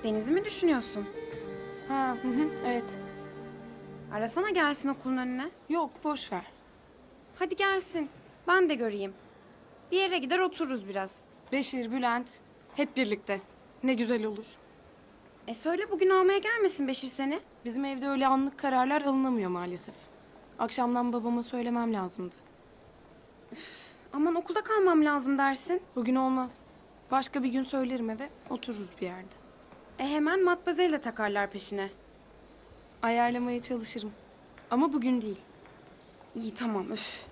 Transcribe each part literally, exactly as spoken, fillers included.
Deniz'i mi düşünüyorsun? Ha, hı hı, evet. Arasana gelsin okulun önüne. Yok, boş ver. Hadi gelsin. Ben de göreyim. Bir yere gider otururuz biraz. Beşir, Bülent, hep birlikte. Ne güzel olur. E söyle bugün almaya gelmesin Beşir seni. Bizim evde öyle anlık kararlar alınamıyor maalesef. Akşamdan babama söylemem lazımdı. Aman okulda kalmam lazım dersin. Bugün olmaz. Başka bir gün söylerim eve, otururuz bir yerde. E hemen matmazel'le takarlar peşine. Ayarlamaya çalışırım. Ama bugün değil. İyi tamam üf.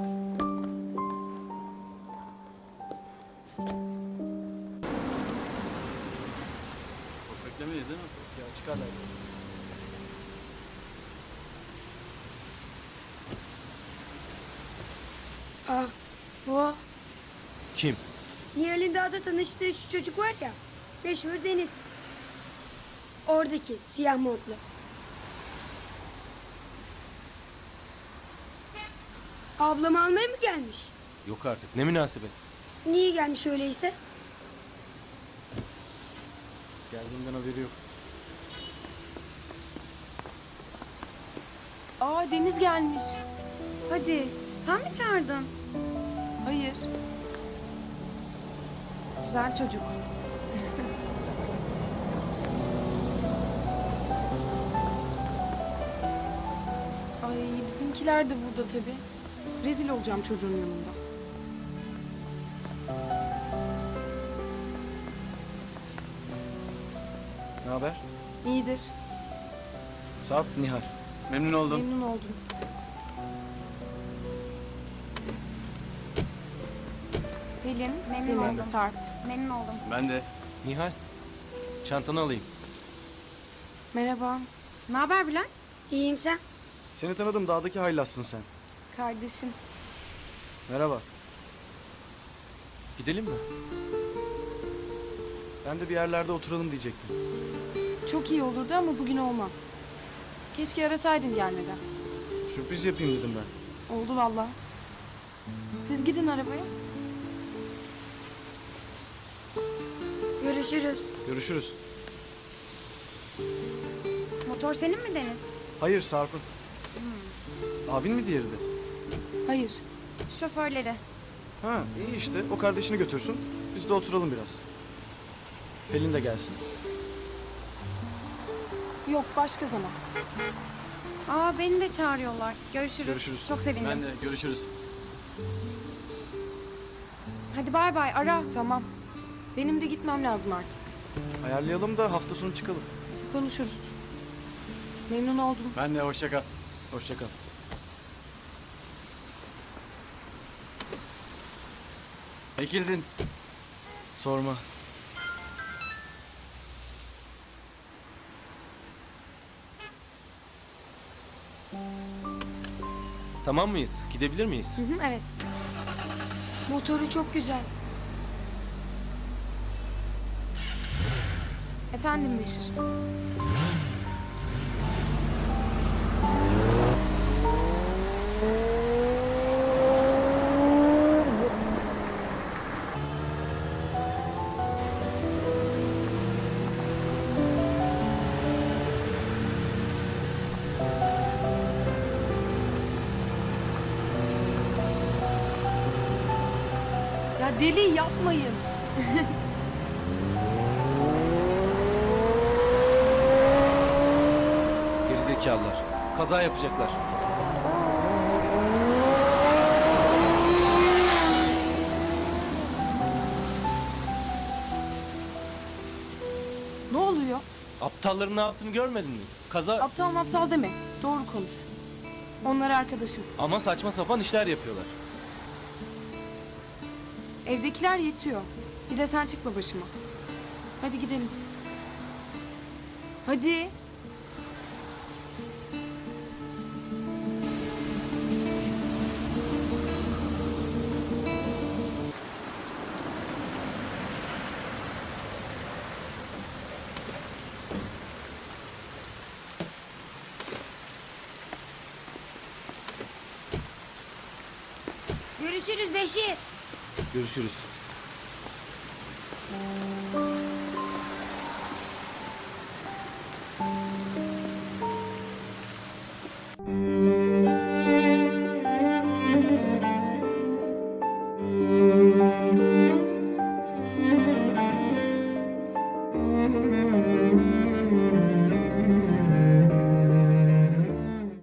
Çok beklemeyiz değil mi? Ya çıkarlar. Aa, bu Kim? Nihal'in dağda tanıştığı şu çocuk var ya. Meşhur Deniz. Oradaki siyah montlu. Ablamı almaya mı gelmiş? Yok artık. Ne münasebet. Niye gelmiş öyleyse? Geldiğinden haberi yok. Aa, Deniz gelmiş. Hadi sen mi çağırdın? Hayır. Güzel çocuk. Ay, bizimkiler de burada tabii. Rezil olacağım çocuğun yanında. Ne haber? İyidir. Sarp, Nihal. Memnun oldum. Memnun oldum. Pelin, Memnun Deniz, oldum. Sarp. Memnun oldum. Ben de. Nihal. Çantanı alayım. Merhaba. Ne haber Bülent? İyiyim sen. Seni tanıdım, dağdaki haylassın sen. Kardeşim. Merhaba. Gidelim mi? Ben de bir yerlerde oturalım diyecektim. Çok iyi olurdu ama bugün olmaz. Keşke arasaydın gelmeden. Sürpriz yapayım dedim ben. Oldu vallahi. Siz gidin arabaya. Görüşürüz. Görüşürüz. Motor senin mi Deniz? Hayır, Sarp'ın. Abin mi diğeri de? Hayır. Şoförleri. Ha, iyi işte. O kardeşini götürsün. Biz de oturalım biraz. Pelin de gelsin. Yok, başka zaman. Aa beni de çağırıyorlar. Görüşürüz. Görüşürüz. Çok sevindim. Ben de. Görüşürüz. Hadi bay bay ara. Tamam. Benim de gitmem lazım artık. Ayarlayalım da hafta sonu çıkalım. Konuşuruz. Memnun oldum. Ben de. Hoşça kal. Hoşça kal. Ekildin. Sorma. Tamam mıyız? Gidebilir miyiz? Hı hı, evet. Motoru çok güzel. Efendim Beşir. Ya deli yapmayın. Gerizekalılar. Kaza yapacaklar. Ne oluyor? Aptalların ne yaptığını görmedin mi? Kaza... Aptal aptal deme. Doğru konuş. Onlar arkadaşım. Ama saçma sapan işler yapıyorlar. Evdekiler yetiyor. Bir de sen çıkma başıma. Hadi gidelim. Hadi. Görüşürüz Beşir. Görüşürüz. Tamam.